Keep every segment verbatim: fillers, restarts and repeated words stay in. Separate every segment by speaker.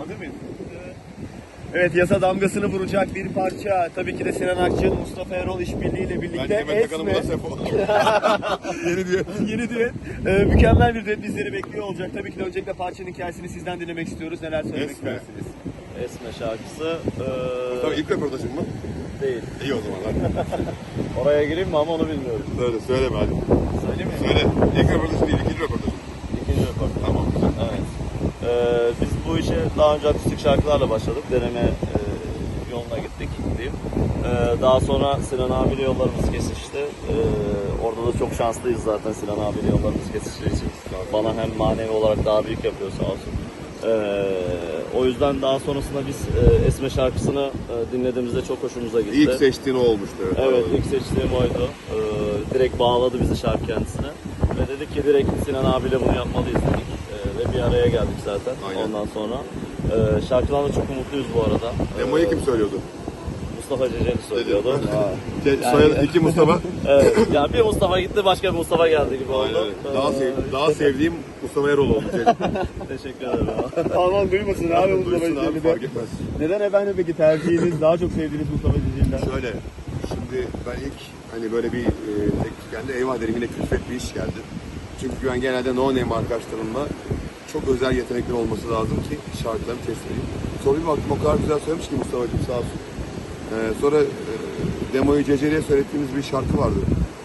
Speaker 1: Hazır mıyız? Evet, yasa damgasını vuracak bir parça. Tabii ki de Sinan Akçıl, Mustafa Erol işbirliğiyle birlikte Esme.
Speaker 2: Yeni düet.
Speaker 1: Yeni düet. Ee, mükemmel bir düet bizleri bekliyor olacak. Tabii ki de öncelikle parçanın hikayesini sizden dinlemek istiyoruz. Neler söylemek
Speaker 2: Esme.
Speaker 1: istersiniz?
Speaker 3: Esme şarkısı ee,
Speaker 2: Tabii ilk röportajım mı?
Speaker 3: değil.
Speaker 2: İyi o zaman hadi.
Speaker 3: Oraya gireyim mi ama onu bilmiyorum.
Speaker 2: Söyle, söyleme hadi.
Speaker 3: Söyleyeyim mi?
Speaker 2: Söyle. İlk röportajım değil, ikinci röportajım.
Speaker 3: İkinci röportaj.
Speaker 2: Tamam, güzel.
Speaker 3: Evet. Ee, biz bu işe daha önce akustik şarkılarla başladık. Deneme e, yoluna gittik diyeyim. Ee, daha sonra Sinan abiyle yollarımız kesişti. Ee, orada da çok şanslıyız zaten Sinan abiyle yollarımız kesiştiği için. Bana hem manevi olarak daha büyük yapıyor sağ olsun. Ee, o yüzden daha sonrasında biz e, Esme şarkısını e, dinlediğimizde çok hoşumuza gitti.
Speaker 2: İlk seçtiğin o olmuştu.
Speaker 3: Evet, ilk seçtiğim oydu. Ee, direkt bağladı bizi şarkı kendisine. Ve dedik ki direkt Sinan abiyle bunu yapmalıyız dedik. Ee, ve bir araya geldik zaten.
Speaker 2: Aynen.
Speaker 3: Ondan sonra. Ee, şarkıdan da çok umutluyuz bu arada.
Speaker 2: Demoyu
Speaker 3: Ee,
Speaker 2: kim söylüyordu?
Speaker 3: Mustafa Ceceli söylüyordu.
Speaker 2: Şey, soyadı iki Mustafa.
Speaker 3: Evet, ya bir Mustafa gitti, başka bir Mustafa geldi gibi oldu.
Speaker 2: Aynen. Daha, sev, daha sevdiğim Mustafa Erol oldu.
Speaker 3: Teşekkür ederim.
Speaker 1: Aman duymasın abi Mustafa
Speaker 2: Duysun abi,
Speaker 1: Ceceli'de.
Speaker 2: fark etmez.
Speaker 1: Neden efendim peki tercihiniz, daha çok sevdiğiniz Mustafa Ceceli'den?
Speaker 2: Şöyle, şimdi ben ilk hani böyle bir e, teklif geldi, eyvah dedim yine külfet bir iş geldi. Çünkü ben genelde no name arkadaşlarımla çok özel yetenekler olması lazım ki şarkılarımı test edeyim. Sonra bir baktım o kadar güzel söylemiş ki Mustafa'cığım sağ olsun. Ee, sonra e, demoyu Ceceli'ye söylettiğimiz bir şarkı vardı.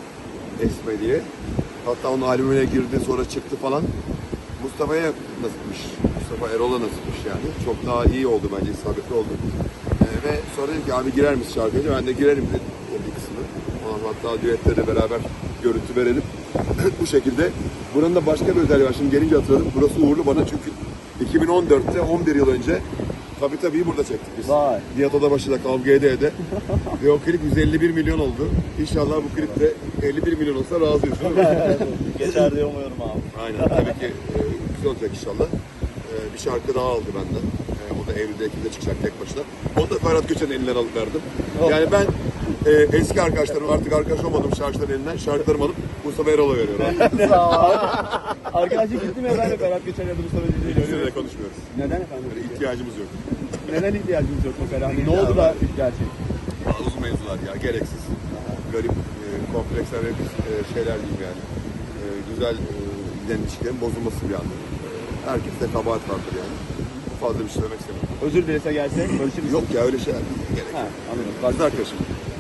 Speaker 2: Esme diye. Hatta onun albümüne girdi sonra çıktı falan. Mustafa'ya nasipmiş. Mustafa Erol'a nasipmiş yani. Çok daha iyi oldu bence, isabetli oldu. Ee, ve sonra dedim ki abi girer misin şarkıya? Ben de girerim dedim o bir kısmını. Ondan hatta düetleri beraber görüntü verelim. Bu şekilde. Buranın da başka bir özelliği var. Şimdi gelince hatırladım. Burası uğurlu bana çünkü iki bin on dörtte on bir yıl önce Tabii tabii burada çektik biz.
Speaker 1: Vay.
Speaker 2: Diyat Odabaşı'da kavga ede ede. Ve o klip yüz elli bir milyon oldu. İnşallah bu klip de elli bir milyon olsa razıyız değil mi?
Speaker 3: Geçer diye umuyorum abi.
Speaker 2: Aynen. Tabii ki e, güzel olacak inşallah. E, bir şarkı daha aldı benden. E, o da Eylül'de Ekim'de çıkacak tek başına. Onu da Ferhat Göçen'in elinden alıp verdim. Yani ben e, eski arkadaşlarım artık arkadaş olmadığım şarkıların elinden şarkılarımı alıp Mustafa Erol'a veriyorum.
Speaker 1: Sağ ol abi. Arkadaşlık gitti mi efendim Ferhat Göçen ya da Mustafa Ceceli'yle?
Speaker 2: Bizimle konuşmuyoruz.
Speaker 1: Neden efendim?
Speaker 2: Böyle ihtiyacımız yok.
Speaker 1: Neden ihtiyacımız yok mesela? Hani ne oldu da gerçek?
Speaker 2: Daha uzun mevzular ya, gereksiz. Garip, e, kompleks ve biz e, şeyler diyeyim yani. E, güzel e, giden ilişkilerin bozulması bir anda. E, herkeste kabahat vardır yani. Fazla bir şey söylemek istemiyorum.
Speaker 1: Özür dilese gelse barışır
Speaker 2: Yok ya öyle şeyler değil, gerek
Speaker 1: Ha,
Speaker 2: yok.
Speaker 1: anladım.
Speaker 2: Kız arkadaşım.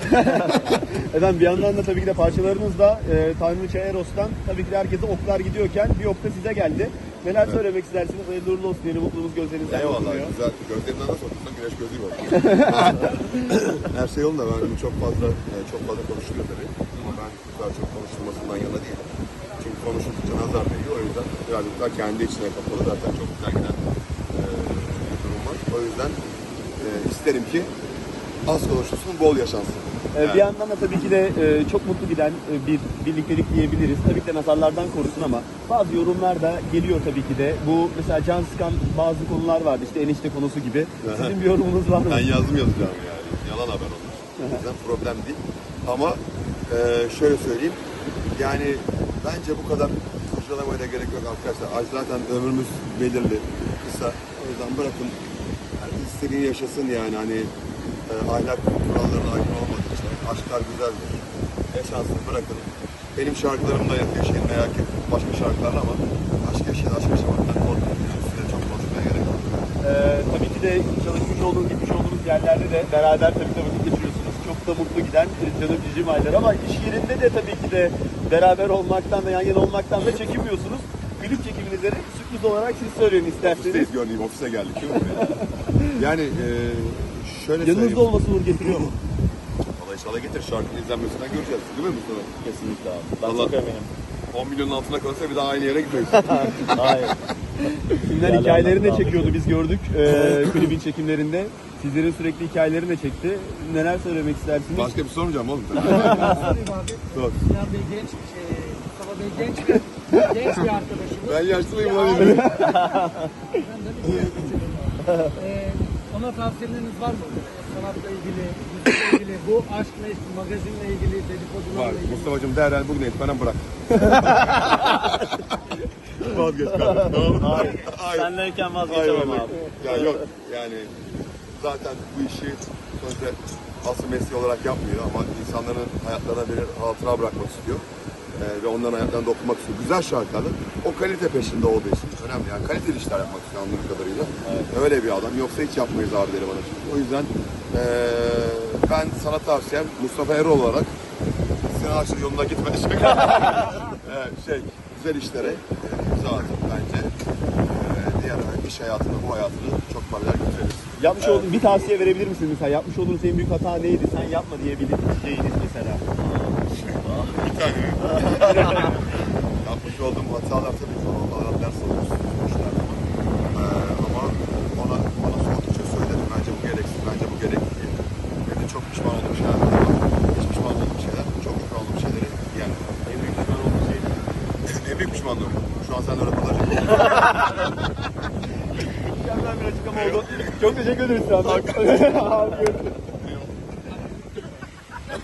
Speaker 1: Efendim bir yandan da tabii ki de parçalarınız da e, Tanrıça Eros'tan tabii ki de herkese oklar gidiyorken bir ok da size geldi. Neler evet. söylemek istersiniz? Hayırlı uğurlu olsun diyelim, mutluluğumuz gözlerinizden
Speaker 2: Eyvallah,
Speaker 1: bakılıyor.
Speaker 2: güzel. Gözlerinden nasıl otursan güneş gözü var. Her şey yolunda, ben bunu çok fazla e, çok fazla konuşuluyor tabii. Ama ben bu kadar çok konuşulmasından yana değilim. Çünkü konuşuldukça nazar değiyor. O yüzden birazcık daha kendi içine kapalı, zaten çok güzel giden e, bir durum var. O yüzden e, isterim ki az konuşulsun, bol yaşansın.
Speaker 1: Yani. Bir yandan da tabii ki de e, çok mutlu giden e, bir birliktelik diyebiliriz. Tabii ki de nazarlardan korusun ama bazı yorumlar da geliyor tabii ki de. Bu mesela can sıkan bazı konular vardı, işte enişte konusu gibi. Sizin bir yorumunuz var mı?
Speaker 2: Ben yazdım yazacağım yani. Yalan haber olur. O yüzden problem değil. Ama e, şöyle söyleyeyim. Yani bence bu kadar kurcalamaya da gerek yok arkadaşlar. Ay zaten ömrümüz belirli, kısa. O yüzden bırakın herkes istediğini yaşasın yani. Hani e, ahlak kurallarına aykırı olmadığı için. Aşklar güzeldir. Yaşansın, bırakın. Benim şarkılarımda yaşayın veya ki başka şarkılarla ama aşk yaşayın, aşk yaşamaktan korkmayın. Size çok konuşmaya gerek yok.
Speaker 1: Ee, tabii ki de çalışmış olduğunuz, gitmiş olduğunuz yerlerde de beraber tabii ki de vakit geçiriyorsunuz. Çok da mutlu giden canım cicim aylar ama iş yerinde de tabii ki de beraber olmaktan ve yan yana olmaktan da çekinmiyorsunuz. Klip çekimleri sürpriz olarak siz söyleyin isterseniz.
Speaker 2: Ofisteyiz gördüğüm, ofise geldik. Yani e, şöyle
Speaker 1: yanınızda
Speaker 2: söyleyeyim.
Speaker 1: olması uğur getiriyor mu?
Speaker 2: Valla inşallah getir, şarkının izlenmesinden göreceğiz. Değil mi Mustafa?
Speaker 3: Kesinlikle abi. Ben
Speaker 2: Allah.
Speaker 3: çok eminim.
Speaker 2: on milyonun altına kalırsa bir daha aynı yere gitmeyiz.
Speaker 3: Hayır.
Speaker 1: Filmler
Speaker 3: Yerlerden
Speaker 1: hikayelerini de
Speaker 3: devam
Speaker 1: çekiyordu, biz gördük ee, klibin çekimlerinde. Sizlerin sürekli hikayelerini de çekti. Neler söylemek istersiniz?
Speaker 2: Başka bir sormayacağım oğlum.
Speaker 4: Ben sorayım abi.
Speaker 2: Sor.
Speaker 4: Sinan Bey genç, şey, Mustafa Bey genç bir, genç bir arkadaşımız.
Speaker 2: Ben yaşlıyım
Speaker 4: Ya
Speaker 2: lan.
Speaker 4: abi. Ben de bir şey geçelim abi. Ee, ona tavsiyeleriniz var mı? Sanatla ilgili, müzikle ilgili, bu aşkla ilgili, magazinle ilgili, dedikodularla
Speaker 2: Var.
Speaker 4: ilgili.
Speaker 2: Mustafa'cığım derhal bugün etmeden bırak. Vazgeç kardeşim. Tamam mı?
Speaker 3: Hayır.
Speaker 2: Hayır.
Speaker 3: Senleyken
Speaker 2: Hayır,
Speaker 3: vazgeçemem
Speaker 2: öyle.
Speaker 3: abi.
Speaker 2: Ya yok yani zaten bu işi sonuçta asıl mesleği olarak yapmıyor ama insanların hayatlarına bir hatıra bırakmak istiyor. Ee, ve onların hayatlarına dokunmak istiyor. Güzel şarkılarla o kalite peşinde olduğu için önemli yani kaliteli işler yapmak istiyor anladığım kadarıyla. Öyle bir adam yoksa hiç yapmayız abileri bana şimdi. O yüzden ee, ben sana tavsiyem Mustafa Erol olarak Sinan Akçıl yolunda gitme. evet, şey güzel işlere e, imza atıp bence e, diğer iş hayatını bu hayatını çok paralel götürebiliriz.
Speaker 1: Yapmış olduğun bir tavsiye verebilir misin mesela? Yapmış olduğun en büyük hata neydi? Sen yapma diyebileceğiniz mesela.
Speaker 2: Bir tane. Yapmış olduğum hatalar tabii ki onlardan ders alıyoruz. işlerde. Ee, ama ona, ona soğuttukça söyledim. Bence bu gereksiz, bence bu gerekli diye. Benim de çok pişman olduğum şeyler var. Hiç pişman olduğum şeyler, çok pişman olduğum şeyleri yani.
Speaker 1: En büyük pişman olduğun şey.
Speaker 2: En büyük pişmanlığım. Şu an seninle röportaj yapıyorum.
Speaker 1: Mükemmel bir açıklama oldu. Çok teşekkür ederiz Sinan. Görüşürüz.